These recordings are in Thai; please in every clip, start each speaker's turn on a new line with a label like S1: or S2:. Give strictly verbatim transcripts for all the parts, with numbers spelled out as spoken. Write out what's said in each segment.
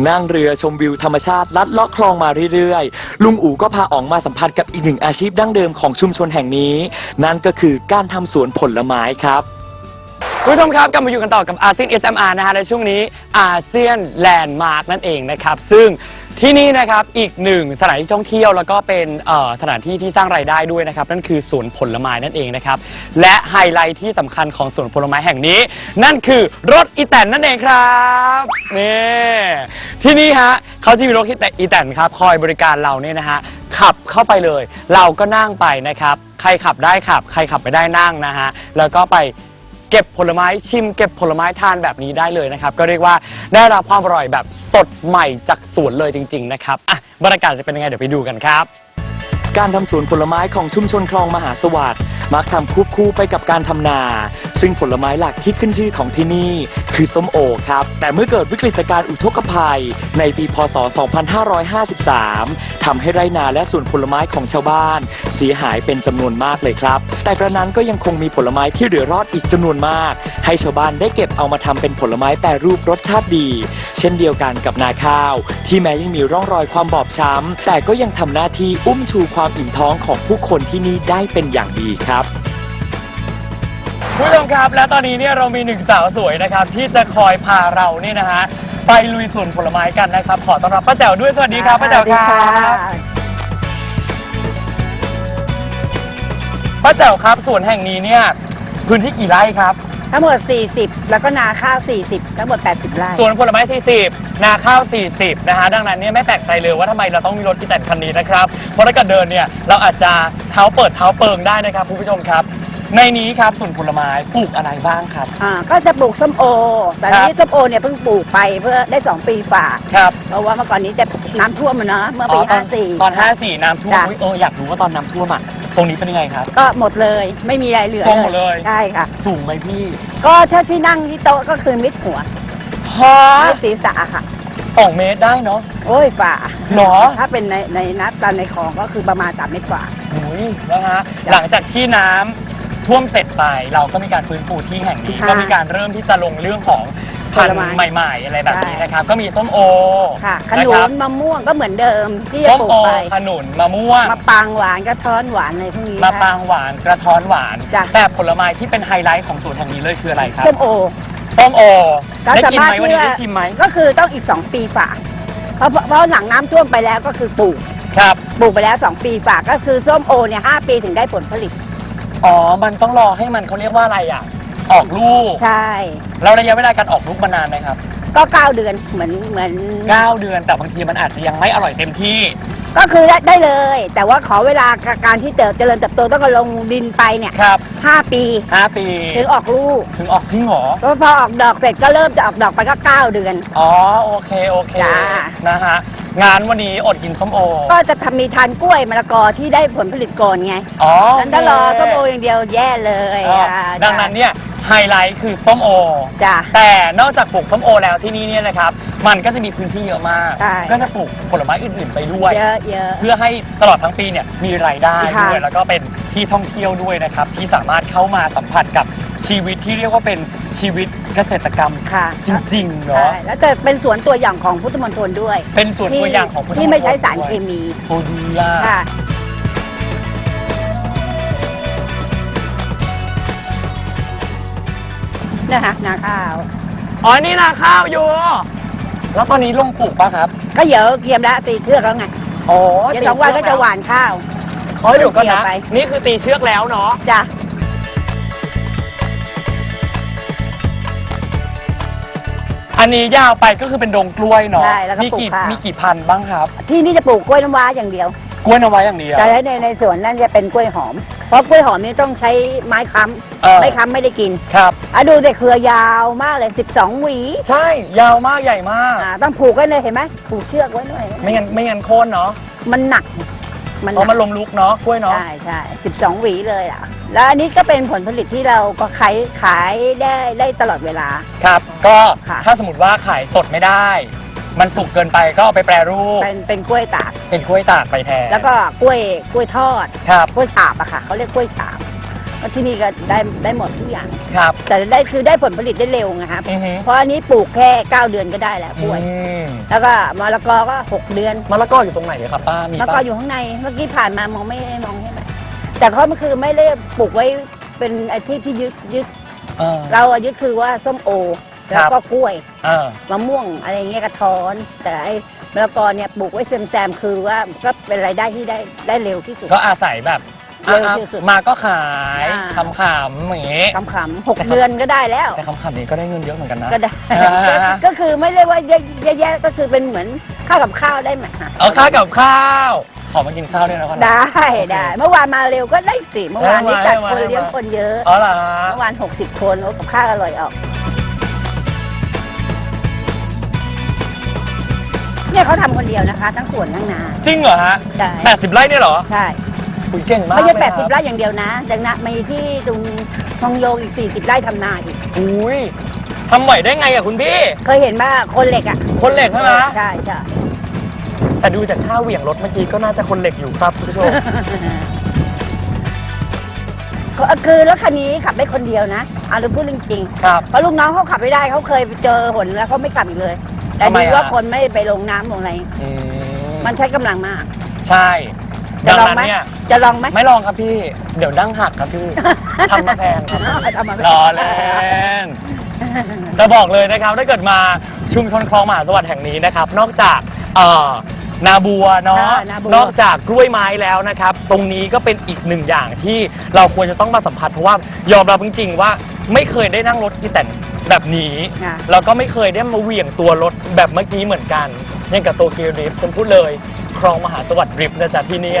S1: นั่งเรือชมวิวธรรมชาติลัดเลาะคลองมาเรื่อยๆลุงอู๋ก็พาอ๋องมาสัมผัสกับอีกหนึ่งอาชีพดั้งเดิมของชุมชนแห่งนี้นั่นก็คือการทำสวนผลไม้ครับ
S2: คุณผู้ชมครับกลับมาอยู่กันต่อกับอาเซียน เอส เอ็ม อาร์ นะฮะในช่วงนี้อาเซียนแลนด์มาร์กนั่นเองนะครับซึ่งที่นี่นะครับอีกหนึ่งสถานที่ท่องเที่ยวแล้วก็เป็นสถานที่ที่สร้างรายได้ด้วยนะครับนั่นคือสวนผลไม้นั่นเองนะครับและไฮไลท์ที่สำคัญของสวนผลไม้แห่งนี้นั่นคือรถอีแตนนั่นเองครับนี่ที่นี่ฮะเขาจะมีรถอีแตนครับคอยบริการเราเนี่ยนะฮะขับเข้าไปเลยเราก็นั่งไปนะครับใครขับได้ขับใครขับไม่ได้นั่งนะฮะแล้วก็ไปเก็บผลไม้ชิมเก็บผลไม้ทานแบบนี้ได้เลยนะครับก็เรียกว่าได้รับความอร่อยแบบสดใหม่จากสวนเลยจริงๆนะครับอ่ะบรรยากาศจะเป็นยังไงเดี๋ยวไปดูกันครับ
S1: การทำสวนผลไม้ของชุมชนคลองมหาสวัสดิ์มักทำควบคู่ไปกับการทำนาซึ่งผลไม้หลักที่ขึ้นชื่อของที่นี่คือส้มโอครับแต่เมื่อเกิดวิกฤตการณ์อุทกภัยในปีพ.ศ. สองพันห้าร้อยห้าสิบสามทำให้ไร่นาและสวนผลไม้ของชาวบ้านเสียหายเป็นจำนวนมากเลยครับแต่กระนั้นก็ยังคงมีผลไม้ที่เหลือรอดอีกจำนวนมากให้ชาวบ้านได้เก็บเอามาทำเป็นผลไม้แปรรูปรสชาติดีเช่นเดียวกันกับนาข้าวที่แม้ยังมีร่องรอยความบอบช้ำแต่ก็ยังทำหน้าที่อุ้มชูความอิ่มท้องของผู้คนที่นี่ได้เป็นอย่างดีครับ
S2: คุณผู้ชมครับและตอนนี้เนี่ยเรามีหนึ่งสาวสวยนะครับที่จะคอยพาเราเนี่ยนะฮะไปลุยสวนผลไม้กันนะครับขอต้อนรับป้าแจ๋วด้วยสวัสดีครับป้าแจ๋วครับป้าแจ๋วครับสวนแห่งนี้เนี่ยพื้นที่กี่ไร่ครับ
S3: ทั้งหมดสี่สิบแล้วก็นาข้าวสี่สิบทั้งหมดแปดสิบไร่
S2: สวนผลไม้สี่สิบนาข้าวสี่สิบนะฮะดังนั้นเนี่ยไม่แปลกใจเลยว่าทำไมเราต้องมีรถอีแตนคันนี้นะครับเพราะถ้าเกิดเดินเนี่ยเราอาจจะเท้าเปิดเท้าเปิงได้นะครับคุณผู้ชมครับในนี้ครับสวนผลไม้ปลูกอะไรบ้างครับ
S3: อ่าก็จะปลูกส้มโอแต่นี้ส้มโอเนี่ยเพิ่งปลูกไปเพื่อได้สองปีฝ่า
S2: ครับ
S3: เพราะว่าเมื่อก่อนนี้จะน้ำท่วมเนาะเมื่อปีห้าสี่
S2: ตอนห้าสี่น้ำท่วมเอออยากรู้ว่าตอนน้ำท่วมอ่ะตรงนี้เป็นยังไงครับ
S3: ก็หมดเลยไม่มีอะไรเหลือ
S2: หมดเลย
S3: ใช่ค่ะ
S2: สูงไหมพี่
S3: ก็ถ้าที่นั่งที่โต๊ะก็คือมิดหัว
S2: ฮะ
S3: มิดศีรษะค่ะ
S2: สองเมตรได้เนาะ
S3: โอ้ยฝ่า
S2: เนาะ
S3: ถ้าเป็นในในนัดตอนในคลองก็คือประมาณสามเมตรกว่า
S2: โอ้ยนะฮะหลังจากที่น้ำท่วมเสร็จไปเราก็มีการฟื้นฟูที่แห่งนี้ก็มีการเริ่มที่จะลงเรื่องของพันธุ์ใหม่ๆอะไรแบบนี้นะครับก็มีส้มโอ
S3: ค่ะขนุนมะม่วงก็เหมือนเดิมที่จะปลูกไป
S2: ขนุนมะม่วง
S3: มะปางหวานกระท้อนหวานอะไรพวกนี้
S2: มะปางหวานกระท้อนหวานแต่ผลไม้ที่เป็นไฮไลท์ของสวนแห่งนี้เลยคืออะไรครับ
S3: ส้มโอ
S2: ส้มโอได้กินไหมวันนี้ได้ชิมไหม
S3: ก็คือต้องอีกสองปีฝากเพราะเพราะหลังน้ำท่วมไปแล้วก็คือปลูก
S2: ครับ
S3: ปลูกไปแล้วสองปีฝากก็คือส้มโอเนี่ยห้าปีถึงได้ผลผลิต
S2: อ๋อมันต้องรอให้มันเขาเรียกว่าอะไรอ่ะออกลูก
S3: ใช่
S2: แล้วระยะเวลาการออกลูกมานานไหมครับ
S3: ก็เก้าเดือนเหมือนเหมือน
S2: เก้าเดือนแต่บางทีมันอาจจะยังไม่อร่อยเต็มที่
S3: ก็คือได้ได้เลยแต่ว่าขอเวลาการที่เติบเจริญเติบโตต้องลงดินไปเนี่ย
S2: ครับ
S3: ห้าปี
S2: ห้าปี
S3: ถึงออกลูก
S2: ถึงออกจริงเหรอ
S3: ก็พอออกดอกเสร็จก็เริ่มจะออกดอกไปก็เก้าเดือน
S2: อ๋อโอเคโอเคนะฮะงานวันนี้อดกินส้มโอ
S3: ก็จะทำมีทานกล้วยมะละกอที่ได้ผลผลิตก่อนไง
S2: อ๋อ
S3: นั้นถ้ารอส้มโออย่างเดียวแย่เลย
S2: ดังนั้นเนี่ยไฮไลท์คือส้มโอ
S3: จ้ะ
S2: แต่นอกจากปลูกส้มโอแล้วที่นี่เนี่ยนะครับมันก็จะมีพื้นที่เยอะมากก็จะปลูกผลไม้อื่นๆไปด้วยเพื่อให้ตลอดทั้งปีเนี่ยมีรายได้ด้วยแล้วก็เป็นที่ท่องเที่ยวด้วยนะครับที่สามารถเข้ามาสัมผัสกับชีวิตที่เรียกว่าเป็นชีวิตเกษตรกรรมจริงๆเนาะ
S3: แล้วแต่เป็นสวนตัวอย่างของพุทธมณฑลด้วย
S2: เป็นสวนตัวอย่างของพุทธมณฑล
S3: ที่ไม่ใช้สารเคมี
S2: โอ้ดีอ่ะ
S3: นะคะนาข้าว
S2: อ๋อนี่นาข้าวอยู่แล้วตอนนี้ลงปลูกป่ะครับ
S3: ก็เดี๋ยวเกียมแล้วตีเชือกแล้วไง
S2: โอ้
S3: เดี๋ยวสองวันก็จะหว่านข้าว
S2: อ๋อเดี๋ยวก็นะนี่คือตีเชือกแล้วเนาะ
S3: จ้ะ
S2: อันนี้ยาวไปก็คือเป็นดงกล้วยเนาะมีกี่มีกี่พันบ้างครับ
S3: ที่นี่จะปลูกกล้วยน้ำว้าอย่างเดียว
S2: กล้วยน้ำว้าอย่างเดียว
S3: แต่ในในสวนนั่นจะเป็นกล้วยหอมเพราะกล้วยหอมนี่ต้องใช้ไม้ค้ำไม่ค้ำไม่ได้กิน
S2: ครับ
S3: อ่ะดูแต่เครือยาวมากเลยสิบสองหวี
S2: ใช่ยาวมากใหญ่มาก
S3: ต้องผูกไว้เลยเห็นไหมผูกเชือกไว้หน่อย
S2: ไม่งั้นไม่งั้นโค่นเนาะ
S3: มันหนัก
S2: มันมันลมลุกเนาะกล้วยเนาะ
S3: ใช่ใช่สิบสองหวีเลยอ่ะแล้วอันนี้ก็เป็นผลผลิตที่เราก็ขายขายได้ได้ตลอดเวลา
S2: ครับก็ถ้าสมมติว่าขายสดไม่ได้มันสุกเกินไปก็เอาไปแปรรูป
S3: เป็นเป็นกล้วยตาก
S2: เป็นกล้วยตากไปแทน
S3: แล้วก็กล้วยกล้วยทอด
S2: ครับ
S3: กล้วยฉาบอะค่ะเขาเรียกกล้วยฉาบเพราะที่นี่ก็ได้ได้หมดทุกอย่าง
S2: ครับ
S3: แต่ได้คือได้ผลผลิตได้เร็วไงครับ
S2: อือฮึ
S3: เพราะอันนี้ปลูกแค่เก้าเดือนก็ได้แล้วกล้วย
S2: อืม
S3: แล้วก็มะละกอก็หกเดือน
S2: มะละกออยู่ตรงไหนอะครับป้ามี
S3: มะละกอ
S2: ป้า
S3: อยู่ข้างในเมื่อกี้ผ่านมามองไม่ได้มองใช่ไหมแต่เขามันคือไม่ได้ปลูกไว้เป็นไอ้ที่ที่ยึดยึด
S2: เออ
S3: เราอะยึดคือว่าส้มโอ
S2: ค
S3: แล้
S2: รั
S3: ว
S2: บ
S3: ก็กล้วย
S2: เออ
S3: มะม่วงอะไรอย่างเงี้ยกระท้อน แต่ไอ้มะละกอเนี่ยปลูกไว้แซมๆคือว่าก็เป็นรายได้ที่ได้ได้เร็วที่สุด
S2: ก็อาศัยแบบ
S3: เร็ว
S2: อ่ะ
S3: ที่สุด
S2: มาก็ขาย
S3: อ่า
S2: ขำๆอย่างงี้
S3: ขำๆหกเดือนก็ได้แล้ว
S2: แต่ขำๆนี้ก็ได้เงินเยอะเหมือนกันนะ
S3: ก็ได้
S2: อ่า
S3: ก็คือไม่ได้ว่าแย่ๆก็คือเป็นเหมือนข้าวกับข้าวได้ไหมคะ
S2: เอาข้าวกับข้าว ขอมากินข้าวด้วยนะก่อนนะ
S3: ได้ได้เมื่อวานมาเร็วก็ได้สิเมื่อวานนี้
S2: เออ
S3: จัด
S2: มา
S3: คน
S2: มา
S3: เลี้ยงคนเยอะ
S2: อ๋อเหรอ
S3: เมื่อวานหกสิบคนโอ้กับข้าวอร่อยออกเนี่ยเขาทำคนเดียวนะคะ ทั้งสวนทั้งนา
S2: จริงเหรอฮะ
S3: ใช่
S2: แปดสิบไร่เนี่ยเหรอ
S3: ใช่
S2: คุยเก่งมาก
S3: ไม่ใช่
S2: เลย
S3: แปดสิบ
S2: ค
S3: ไร่อย่างเดียวนะดังนั้นมีที่ตรงทองโยงอีกสี่สิบไร่ทำนาอีก
S2: อุ้ยทำไหวได้ไงอะคุณพี่
S3: เคยเห็นว่าคนเหล็กอ่ะ
S2: คนเหล็กใช่ไหม
S3: ใช่ใช่
S2: แต่ดูจากท่าเหวี่ยงรถเมื่อกี้ก็น่าจะคนเหล็กอยู่ครับคุณผู้ชม
S3: ก็คือรถคันนี้ขับได้คนเดียวนะเอาหรือพูดจริงๆ
S2: ครับ
S3: เพราะลูกน้องเขาขับไม่ได้เขาเคยไปเจอหนแล้วเขาไม่ขับอีกเลย แต่
S2: ทำไม
S3: ดี
S2: อะ
S3: ว่าคนไม่ไปลงน้ำลงอะไร
S2: อืม
S3: มันใช้กำลังมาก
S2: ใช่
S3: จะ
S2: ดัง
S3: ลอง
S2: นั้น
S3: ไหม
S2: เนี่ย
S3: จะลองไหม
S2: ไม่ลองครับพี่ เดี๋ยวดั้งหักครับพี่ ทำมาแพงครับ
S3: ทำมาแพง
S2: รอเล่นจะบอกเลยนะครับถ้าเกิดมาชุมชนคลองมหาสวัสดิ์แห่งนี้นะครับ นอกจากเอ่อนาบัวเนาะ
S3: อ่านาบัว
S2: นอกจากกล้วยไม้แล้วนะครับ ตรงนี้ก็เป็นอีกหนึ่งอย่างที่เราควรจะต้องมาสัมผัสเพราะว่ายอมรับจริงๆว่าไม่เคยได้นั่งรถอีแตนแบบนี้
S3: ค่ะ
S2: แล้วก็ไม่เคยได้มาเหวี่ยงตัวรถแบบเมื่อกี้เหมือนกันอย่างกับโตเกียวดริฟต์ฉันพูดเลยคลองมหาสวัสดิ์ดริฟต์นะจ๊ะที่เนี่ย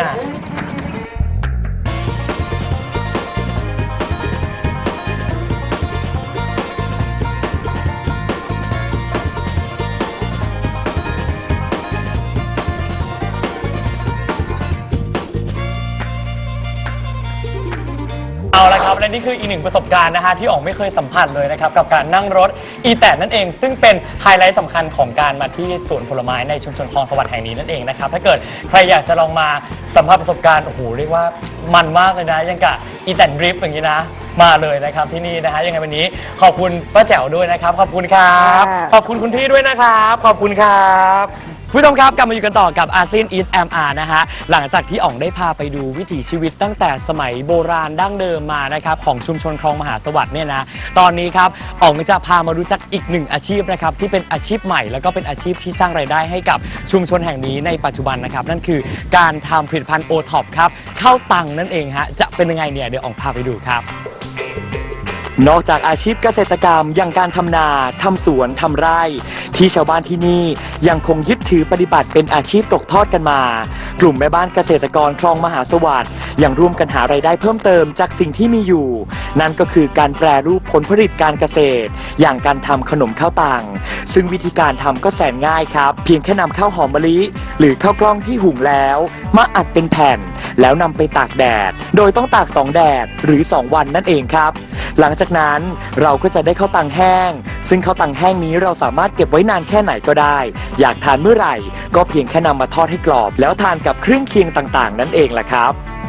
S2: เอาละครับและนี่คืออีกหนึ่งประสบการณ์นะฮะที่อ๋องไม่เคยสัมผัสเลยนะครับกับการนั่งรถอีแตนนั่นเอง ซึ่งเป็นไฮไลท์สำคัญของการมาที่สวนผลไม้ในชุมชนคลองสวัสดิ์แห่งนี้นั่นเองนะครับถ้าเกิดใครอยากจะลองมาสัมผัสประสบการณ์โอ้โหเรียกว่ามันมากเลยนะยังกับอีแตนดริฟต์อย่างนี้นะมาเลยนะครับที่นี่นะฮะยังไงวันนี้ขอบคุณป้าแจ๋วด้วยนะครับขอบคุณครับขอบคุณคุณพี่ด้วยนะครับขอบคุณครับผู้ชมครับกลับมาอยู่กันต่อกับอาเซียนอีสแอมอาร์นะฮะหลังจากที่อ๋องได้พาไปดูวิถีชีวิตตั้งแต่สมัยโบราณดั้งเดิมมานะครับของชุมชนคลองมหาสวัสดิ์เนี่ยนะตอนนี้ครับอ๋องจะพามารู้จักอีกหนึ่งอาชีพนะครับที่เป็นอาชีพใหม่แล้วก็เป็นอาชีพที่สร้างรายได้ให้กับชุมชนแห่งนี้ในปัจจุบันนะครับนั่นคือการทำผลิตภัณฑ์โอท็อปครับข้าวตังนั่นเองฮะจะเป็นยังไงเนี่ยเดี๋ยวอ๋องพาไปดูครับ
S1: นอกจากอาชีพเกษตรกรรมอย่างการทำนาทำสวนทำไร่ ที่ชาวบ้านที่นี่ยังคงยึดถือปฏิบัติเป็นอาชีพตกทอดกันมา กลุ่มแม่บ้านเกษตรกรคลองมหาสวัสดิ์ยังร่วมกันหารายได้เพิ่มเติมจากสิ่งที่มีอยู่ นั่นก็คือการแปรรูปผลผลิตการเกษตร อย่างการทำขนมข้าวตังซึ่งวิธีการทำก็แสนง่ายครับ เพียงแค่นำข้าวหอมมะลิ หรือข้าวกล้องที่หุงแล้ว มาอัดเป็นแผ่น แล้วนำไปตากแดด โดยต้องตากสองแดดหรือสองวันนั่นเองครับ หลังจากนั้นเราก็จะได้ข้าวตังแห้ง ซึ่งข้าวตังแห้งนี้เราสามารถเก็บไว้นานแค่ไหนก็ได้ อยากทานเมื่อไหร่ ก็เพียงแค่นำมาทอดให้กรอบ แล้วทานกับเครื่องเคียงต่างๆ นั่นเองแหละครับ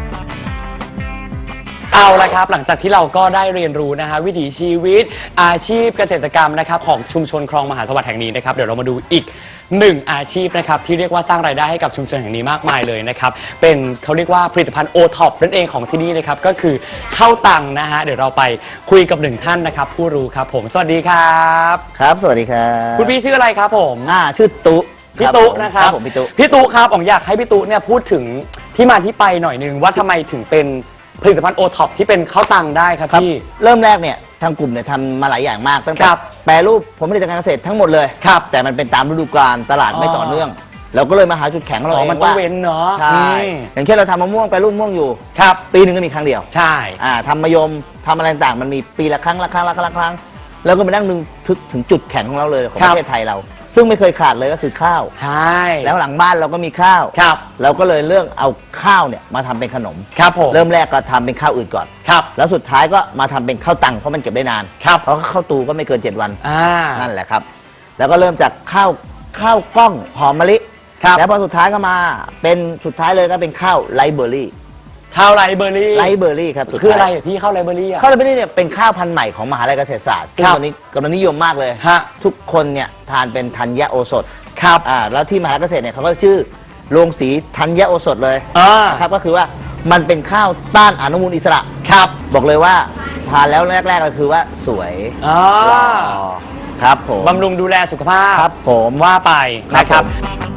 S2: เอาละครับหลังจากที่เราก็ได้เรียนรู้นะฮะวิถีชีวิตอาชีพเกษตรกรรมนะครับของชุมชนคลองมหาสวัสดิ์แห่งนี้นะครับเดี๋ยวเรามาดูอีกหนึ่งอาชีพนะครับที่เรียกว่าสร้างรายได้ให้กับชุมชนแห่งนี้มากมายเลยนะครับเป็นเขาเรียกว่าผลิตภัณฑ์โอท็อปนั่นเองของที่นี่นะครับก็คือข้าวตังนะฮะเดี๋ยวเราไปคุยกับหนึ่งท่านนะครับผู้รู้ครับผมสวัสดีครับ
S4: ครับสวัสดีครับ
S2: คุณพี่ชื่ออะไรครับผม
S4: อ่าชื่อตุ
S2: พี่ตุนะครับ
S4: ผมพี่ตุ
S2: พี่ตุครับผมอยากให้พี่ตุเนี่ยพูดถึงที่มาที่ไปหน่อยนึงว่าทำไมถึงเป็นผลิตภัณฑ์โอท็อปที่เป็นข้าวตังได้ครับ
S4: ครับ
S2: พี่
S4: เริ่มแรกเนี่ยทางกลุ่มเนี่ยทำมาหลายอย่างมากตั้งแต่
S2: ครับ
S4: แปรรูปผลผลิตทางการเกษตรทั้งหมดเลย
S2: ครับ
S4: แต่มันเป็นตามฤดูกาลตลาดไม่
S2: อ๋อ
S4: ต่อเนื่อง เราก็เลยมาหาจุดแข็งของเรา
S2: อ๋อ
S4: เอง
S2: มันต้อง
S4: ว่า
S2: เว้นเนาะ
S4: ใช่
S2: อืม
S4: อย่างเช่นเราทำมะม่วงแปรรูปมะม่วงอยู่
S2: ครับ
S4: ปีหนึ่งก็มีครั้งเดียว
S2: ใช่
S4: อ่าทำมะยมทำอะไรต่างๆมันมีปีละครั้งละครั้งละครั้งละครั้งแล้วก็มานั่งนึงถึงถึงจุดแข็งของเราเลยของ
S2: ครั
S4: ป
S2: บ
S4: ระเทศไทยเรา ซึ่งไม่เคยขาดเลยก็คือข้าว
S2: ใช่
S4: แล้วหลังบ้านเราก็มีข้าว
S2: ครับ
S4: เราก็เลยเลือกเอาข้าวเนี่ยมาทำเป็นขนม
S2: ครับผม
S4: เริ่มแรกก็ทำเป็นข้าวอื่นก่อน
S2: ครับ
S4: แล้วสุดท้ายก็มาทำเป็นข้าวตังเพราะมันเก็บได้นาน
S2: ครับ
S4: เพราะข้าวตูก็ไม่เกินเจ็ดวัน
S2: อ่า
S4: นั่นแหละครับ แล้วก็เริ่มจากข้าวข้าวกล้องหอมมะลิ
S2: ครับ
S4: แล้วพอสุดท้ายก็มาเป็นสุดท้ายเลยก็เป็นข้าวไรเบอรี่
S2: ข้าวไรเบอร์รี่
S4: ไรเบอร์รี่ครับสุดท้าย
S2: คืออะไรอะพี่ข้าวไรเบอร์รี่อะ
S4: ข้าวไรเบอร์รี่เนี่ยเป็นข้าวพันธุ์ใหม่ของมหาลัยเกษตรศาสตร์ซึ่ง
S2: ครับ
S4: ตอนนี้กำลังนิยมมากเลย
S2: ฮะ
S4: ทุกคนเนี่ยทานเป็นธัญโอสถ
S2: ครับ
S4: อ่าแล้วที่มหาลัยเกษตรเนี่ยเขาก็ชื่อโรงสีธัญโอสถเลย
S2: อ่า
S4: นะครับก็คือว่ามันเป็นข้าวต้านอนุมูลอิสระ
S2: ครับ
S4: บอกเลยว่าทานแล้วแรกๆก็คือว่าสวย
S2: อ่า
S4: หล่อครับผม
S2: บำรุงดูแลสุขภาพ
S4: ครับผม
S2: ว่าไปนะค
S4: ครั
S2: รับบ
S4: ผม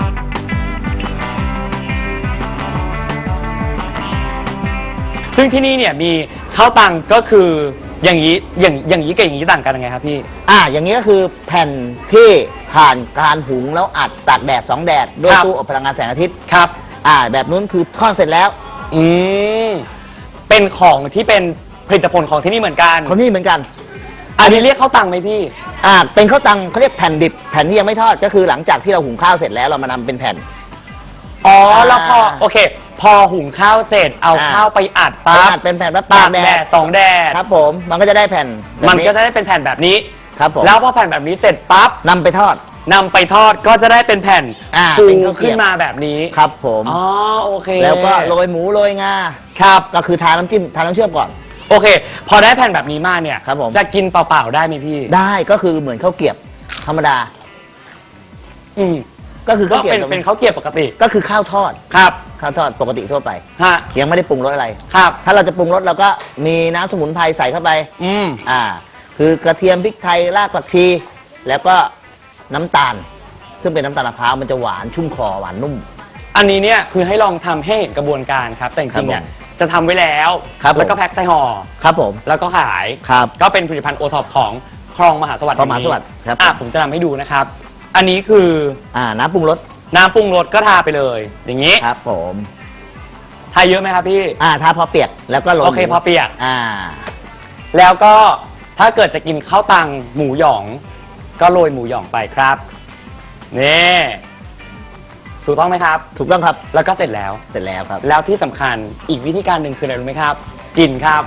S2: ซึ่งที่นี่เนี่ยมีข้าวตังก็คืออย่างนี้อย่างอย่างนี้กับอย่างนี้ต่างกันยังไงครับพี่
S4: อ่าอย่างนี้ก็คือแผ่นที่ผ่านการหุงแล้วอัดตากแดดสองแดดด้วย
S2: ครับ
S4: ตู้อบพลังงานแสงอาทิตย์
S2: ครับ
S4: อ่าแบบนู้นคือทอดเสร็จแล้ว
S2: อืมเป็นของที่เป็นผลิตผลของที่นี่เหมือนกัน
S4: คนนี้เหมือนกัน
S2: อันนี้เรียกข้าวตังไหมพี่
S4: อ่าเป็นข้าวตังเขาเรียกแผ่นดิบแผ่นที่ยังไม่ทอดก็คือหลังจากที่เราหุงข้าวเสร็จแล้วเรามานำเป็นแผ่น
S2: อ๋อ
S4: อ่า
S2: แล้วพอโอเค พอหุงข้าวเสร็จเอา
S4: อ่า
S2: ข้าวไปอัด
S4: ตา
S2: ปั๊บ
S4: ดเป็นแผ่นแล้ว
S2: ตา
S4: ตาก ก
S2: แด
S4: แด
S2: ด
S4: ด
S2: สองแดด
S4: ครับผมมันก็จะได้แผ่นแบบ
S2: มันก็จะได้เป็นแผ่นแบบนี้
S4: ครับผม
S2: แล้วพอแผ่นแบบนี้เสร็จปั๊บ
S4: นำไปทอด
S2: นำไปทอดก็จะได้เป็นแผ่น
S4: อ่า
S2: ฟู
S4: เป็นข้าวเกรียบ
S2: ขึ้นมาแบบนี้
S4: ครับผม
S2: อ๋อโอเค
S4: แล้วก็โรยหมูโรยงา
S2: ครับ
S4: ก็คือทาน้ำจิ้มทาน้ำเชื่อมก่อน
S2: โอเค พอได้แผ่นแบบนี้มาเนี่ย
S4: ครับผม
S2: จะกินเปล่าๆได้ไหมพี่
S4: ได้ก็คือเหมือนข้าวเกรียบธรรมดา
S2: อืม
S4: ก็คือ
S2: ก็
S4: ข้าวเกรีย
S2: เป็น
S4: บ
S2: เป็นข้าวเกรียบปกติ
S4: ก็คือข้าวทอด
S2: ครับ
S4: ข้าวทอดปกติทั่วไป
S2: ฮะ
S4: ยังไม่ได้ปรุงรสอะไร
S2: ครับ
S4: ถ้าเราจะปรุงรสเราก็มีน้ำสมุนไพรใส่เข้าไป
S2: อืม
S4: อ่า คือกระเทียมพริกไทยรากผักชี แล้วก็น้ำตาล ซึ่งเป็นน้ำตาลมะพร้าวมันจะหวานชุ่มคอหวานนุ่ม
S2: อันนี้เนี่ยคือให้ลองทำให้เห็นกระบวนการครับ แต่จริงๆเนี่ย
S4: ครับผม
S2: จะทำไว้แล้ว
S4: ครับผม
S2: แล้วก็แพ็คใส่ห่อ
S4: ครับผม
S2: แล้วก็ขาย
S4: ครับ
S2: ก็เป็นผลิตภัณฑ์โอท็อปของคลองมหาสวัสดิ์
S4: คลองมหาสวัสดิ์
S2: แห่งนี้
S4: ครับ
S2: อ่ะผมจะทำให้ดูนะครับ อันนี้คือ
S4: อ่า น้ำปรุงรส
S2: น้ำปรุงรสก็ทาไปเลย อย่างนี้
S4: ครับผม
S2: ทาเยอะไหมครับพี่
S4: อ่าทาพอเปียกแล้วก็โรย
S2: โอเค
S4: หมู
S2: พอเปียก
S4: อ่า
S2: แล้วก็ถ้าเกิดจะกินข้าวตังหมูหยอง ก็โรยหมูหยองไปครับนี่ถูกต้องไหมครับ
S4: ถูกต้องครับ
S2: แล้วก็เสร็จแล้ว
S4: เสร็จแล้วครับ
S2: แล้วที่สำคัญอีกวิธีการหนึ่งคืออะไรรู้ไหมครับ กินครับ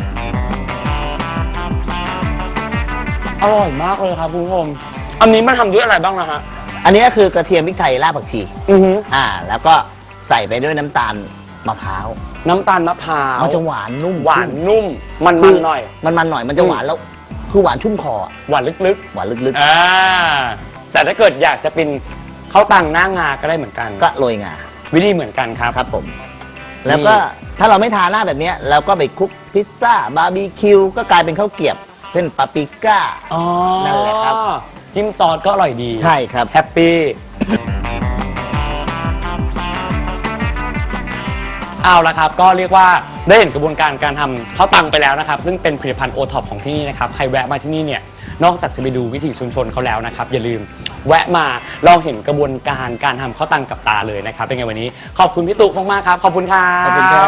S2: อร่อยมากเลยครับคุณผู้ชมอันนี้มันทำด้วยอะไรบ้างนะฮะ
S4: อันนี้ก็คือกระเทียมพริกไทยรากผักชี
S2: อือฮึ
S4: อ่า แล้วก็ใส่ไปด้วยน้ำตาลมะพร้าว
S2: น้ำตาลมะพร้าว
S4: มันจะหวานนุ่ม
S2: หวานนุ่ม มัน
S4: คื
S2: มัน
S4: อ
S2: หน่อย
S4: มันมันหน่อยมันจะหวานแล้วคือหวานชุ่มคออะ
S2: หวานลึก
S4: หวานลึก
S2: ๆอ่าแต่ถ้าเกิดอยากจะเป็นข้าวตังหน้างาก็ได้เหมือนกัน
S4: ๆ ก็โรยงา
S2: วิธีเหมือนกันครับ
S4: ครับผม แล้วก็ถ้าเราไม่ทาหน้าแบบเนี้ยเราก็ไปคลุกพิซซ่าบาร์บีคิวก็กลายเป็นข้าวเกรียบเป็นปาปริก้า
S2: อ๋อ
S4: นั่นแหละครับ
S2: จิ้มซอสก็อร่อยดี
S4: ใช่ครับ
S2: แฮปปี้เอาละครับ ก็เรียกว่าได้เห็นกระบวนการการทำข้าวตังไปแล้วนะครับ ซึ่งเป็นผลิตภัณฑ์โอท็อปของที่นี่นะครับ ใครแวะมาที่นี่เนี่ยนอกจากจะไปดูวิถีชุมชนเขาแล้วนะครับ อย่าลืมแวะมาลองเห็นกระบวนการการทำข้าวตังกับตาเลยนะครับเป็นไงวันนี้ขอบคุณพี่ตุ๊กมากๆครับขอบคุณครับ
S4: ขอบคุณครับ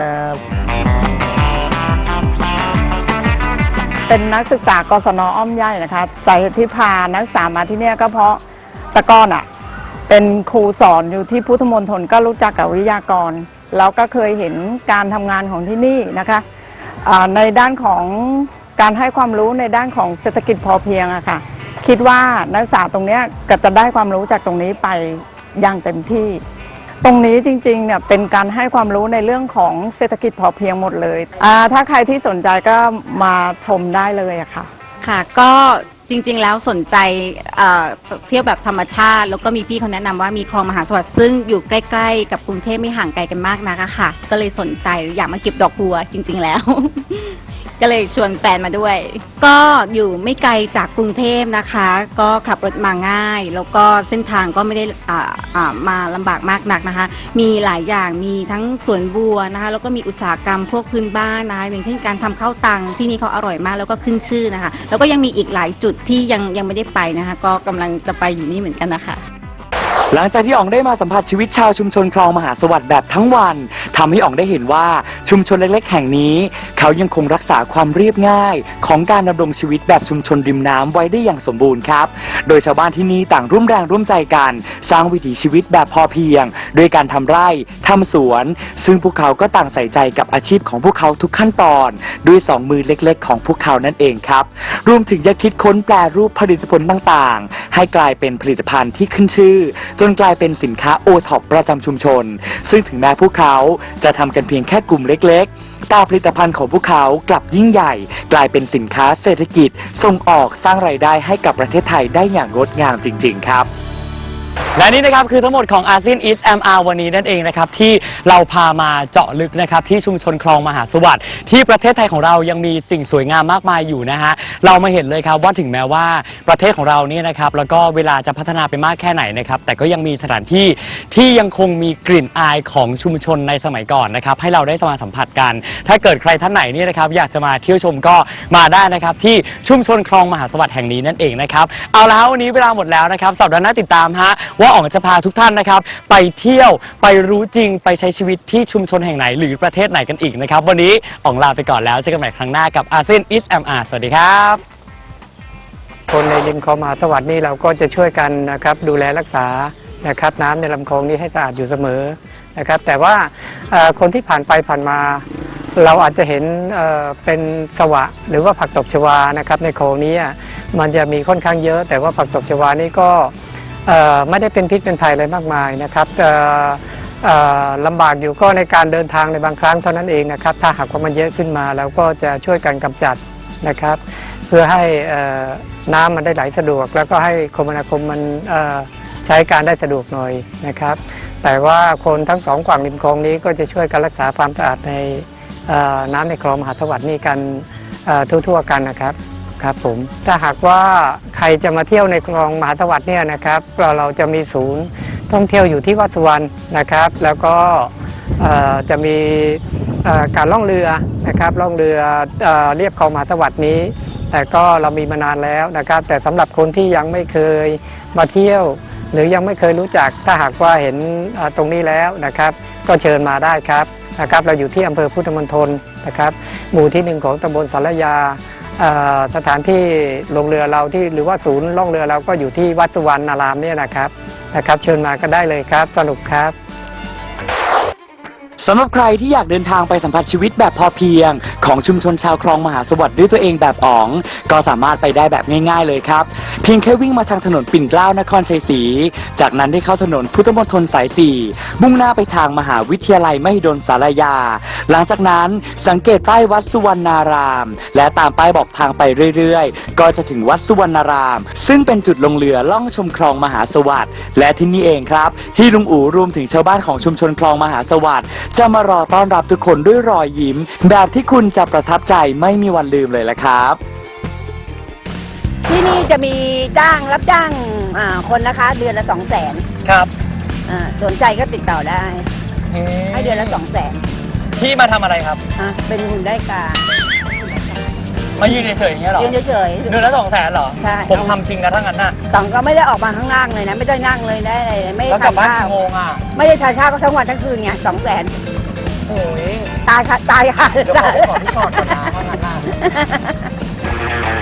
S5: เป็นนักศึกษากศนอ้อมใหญ่นะคะสาเหตุที่พานักศึกษามาที่เนี่ยก็เพราะแตะก้อนอ่ะเป็นครูสอนอยู่ที่พุทธมณฑลก็รู้จักกับวิทยากรแล้วก็เคยเห็นการทำงานของที่นี่นะคะอ่าในด้านของการให้ความรู้ในด้านของเศรษฐกิจพอเพียงอะค่ะคิดว่านักศึกษาตรงเนี้ยก็จะได้ความรู้จากตรงนี้ไปอย่างเต็มที่ ตรงนี้จริงๆเนี่ยเป็นการให้ความรู้ในเรื่องของเศรษฐกิจพอเพียงหมดเลยอ่าถ้าใครที่สนใจก็มาชมได้เลยอะค่ะ
S6: ค่ะก็จริงๆแล้วสนใจเอ่อเที่ยวแบบธรรมชาติ แล้วก็มีพี่เขาแนะนำว่ามีคลองมหาสวัสดิ์ซึ่งอยู่ใกล้ๆกับกรุงเทพไม่ห่างไกลกันมากนักอะค่ะ ก็เลยสนใจอยากมาเก็บดอกบัวจริง ๆแล้ว ก็เลยชวนแฟนมาด้วย ก็อยู่ไม่ไกลจากกรุงเทพนะคะ ก็ขับรถมาง่าย แล้วก็เส้นทางก็ไม่ได้อ่าอ่ามาลำบากมากนักนะคะ มีหลายอย่างมีทั้งสวนบัวนะคะแล้วก็มีอุตสาหกรรมพวกพื้นบ้านนะคะอย่างเช่นการทำข้าวตังที่นี่เขาอร่อยมากแล้วก็ขึ้นชื่อนะคะ แล้วก็ยังมีอีกหลายจุดที่ยังยังไม่ได้ไปนะคะ ก็กำลังจะไปอยู่นี่เหมือนกันนะคะ
S1: หลังจากที่อ๋องได้มาสัมผัสชีวิตชาวชุมชนคลองมหาสวัสดิ์แบบทั้งวันทำให้อ๋องได้เห็นว่าชุมชนเล็กๆแห่งนี้ เขายังคงรักษาความเรียบง่าย ของการดำรงชีวิตแบบชุมชนริมน้ำไว้ได้อย่างสมบูรณ์ครับโดยชาวบ้านที่นี่ต่างร่วมแรงร่วมใจกันสร้างวิถีชีวิตแบบพอเพียงโดยการทำไร่ทำสวน ซึ่งพวกเขาก็ต่างใส่ใจกับอาชีพของพวกเขาทุกขั้นตอนด้วยสองมือเล็กๆของพวกเขานั่นเองครับรวมถึงยังคิดค้นแปรรูปผลิตผลต่างๆให้กลายเป็นผลิตภัณฑ์ที่ขึ้นชื่อจจนกลายเป็นสินค้าโอท็อปประจำชุมชน ซึ่งถึงแม้พวกเขาจะทำกันเพียงแค่กลุ่มเล็กๆแต่ผลิตภัณฑ์ของพวกเขากลับยิ่งใหญ่ กลายเป็นสินค้าเศรษฐกิจส่งออกสร้างรายได้ให้กับประเทศไทยได้อย่างงดงามจริงๆครับ
S2: และนี่นะครับคือทั้งหมดของอาเซียน East เอ็ม อาร์ วันนี้นั่นเองนะครับที่เราพามาเจาะลึกนะครับที่ชุมชนคลองมหาสวัสดิ์ที่ประเทศไทยของเรายังมีสิ่งสวยงามมากมายอยู่นะฮะเรามาเห็นเลยครับว่าถึงแม้ว่าประเทศของเราเนี่ยนะครับแล้วก็เวลาจะพัฒนาไปมากแค่ไหนนะครับแต่ก็ยังมีสถานที่ที่ยังคงมีกลิ่นอายของชุมชนในสมัยก่อนนะครับให้เราได้มาสัมผัสกัน ถ้าเกิดใครท่านไหนเนี่ยนะครับอยากจะมาเที่ยวชมก็มาได้นะครับที่ชุมชนคลองมหาสวัสดิ์แห่งนี้นั่นเองนะครับเอาละวันนี้เวลาหมดแล้วนะครับสัปดาห์หน้าติดตามฮะว่าอ๋องจะพาทุกท่านนะครับไปเที่ยวไปรู้จริงไปใช้ชีวิตที่ชุมชนแห่งไหนหรือประเทศไหนกันอีกนะครับวันนี้อ๋องลาไปก่อนแล้วเจอกันใหม่ครั้งหน้ากับอาเซียน East เอ็ม อาร์ สวัสดีครับคนในริมคลองมหาสวัสดิ์นี่เราก็จะช่วยกันนะครับดูแลรักษานะครับน้ำในลำคลองนี้ให้สะอาดอยู่เสมอนะครับแต่ว่าคนที่ผ่านไปผ่านมาเราอาจจะเห็นเป็นสวะหรือว่าผักตบชวานะครับในคลองนี้มันจะมีค่อนข้างเยอะแต่ว่าผักตบชวานี่ก็ไม่ได้เป็นพิษเป็นภัยอะไรมากมายนะครับลำบากอยู่ก็ในการเดินทางในบางครั้งเท่านั้นเองนะครับถ้าหากว่ามันเยอะขึ้นมาเราก็จะช่วยกันกำจัดนะครับเพื่อให้น้ำมันได้ไหลสะดวกแล้วก็ให้คมนาคมมันใช้การได้สะดวกหน่อยนะครับแต่ว่าคนทั้งสองฝั่งริมคลองนี้ก็จะช่วยกันรักษาความสะอาดในน้ำในคลองมหาสวัสดิ์นี่กันทั่วๆกันนะครับครับผมถ้าหากว่าใครจะมาเที่ยวในคลองมหาสวัสดิ์เนี่ยนะครับเราเราจะมีศูนย์ท่องเที่ยวอยู่ที่วัดสุวรรณนะครับแล้วก็จะมีการล่องเรือนะครับล่องเรือเรียบคลองมหาสวัสดิ์นี้แต่ก็เรามีมานานแล้วนะครับแต่สำหรับคนที่ยังไม่เคยมาเที่ยวหรือยังไม่เคยรู้จักถ้าหากว่าเห็นตรงนี้แล้วนะครับก็เชิญมาได้ครับนะครับเราอยู่ที่อำเภอพุทธมณฑลนะครับหมู่ที่หนึ่งของตำบลสารยาสถานที่ลงเรือเราที่หรือว่าศูนย์ล่องเรือเราก็อยู่ที่วัดสุวรรณารามเนี่ยนะครับนะครับเชิญมาก็ได้เลยครับสนุกครับ
S1: สำหรับใครที่อยากเดินทางไปสัมผัสชีวิตแบบพอเพียงของชุมชนชาวคลองมหาสวัสดิ์ด้วยตัวเองแบบอ๋องก็สามารถไปได้แบบง่ายๆเลยครับเพียงแค่วิ่งมาทางถนนปิ่นเกล้านครชัยศรีจากนั้นได้เข้าถนนพุทธมณฑลสายสี่มุ่งหน้าไปทางมหาวิทยาลัยมหิดลสารยาหลังจากนั้นสังเกตป้ายวัดสุวรรณารามและตามป้ายบอกทางไปเรื่อยๆก็จะถึงวัดสุวรรณารามซึ่งเป็นจุดลงเรือล่องชมคลองมหาสวัสดิ์และที่นี่เองครับที่ลุงอู๋รวมถึงชาวบ้านของชุมชนคลองมหาสวัสดิ์จะมารอต้อนรับทุกคนด้วยรอยยิ้มแบบที่คุณจะประทับใจไม่มีวันลืมเลยละครับ
S3: ที่นี่จะมีจ้างรับจ้างคนนะคะเดือนละสองแสน
S2: ครับ
S3: สนใจก็ติดต่อได้ให้เดือนละสองแสน
S2: พี่มาทำอะไรครับ
S3: เป็นหุ่นได้กา
S2: มายืนเฉยๆอย่างเงี้ยหรอ
S3: ยืนเฉยๆ
S2: เดือนละสองแสนเหรอ
S3: ใช่
S2: ผมทำจริงนะทั้งนั้นน่ะ
S3: ตองก็ไม่ได้ออกมาข้างล่างเลยนะไม่ได้นั่งเลยได้เลยไม่
S2: แล้ว
S3: ได้
S2: กลับ
S3: ทาน
S2: บ้าน
S3: ข้าว
S2: กี่โมงอ่ะ
S3: ไม่ได้ทานข้าวก็ทั้งวันทั้งคืนไงสองแสน
S2: โอ้ย
S3: ตายค่ะตายค่ะ
S2: เดี๋ยวขอไปขอพี่ชอตก่อนนะถ้างั้นน่ะ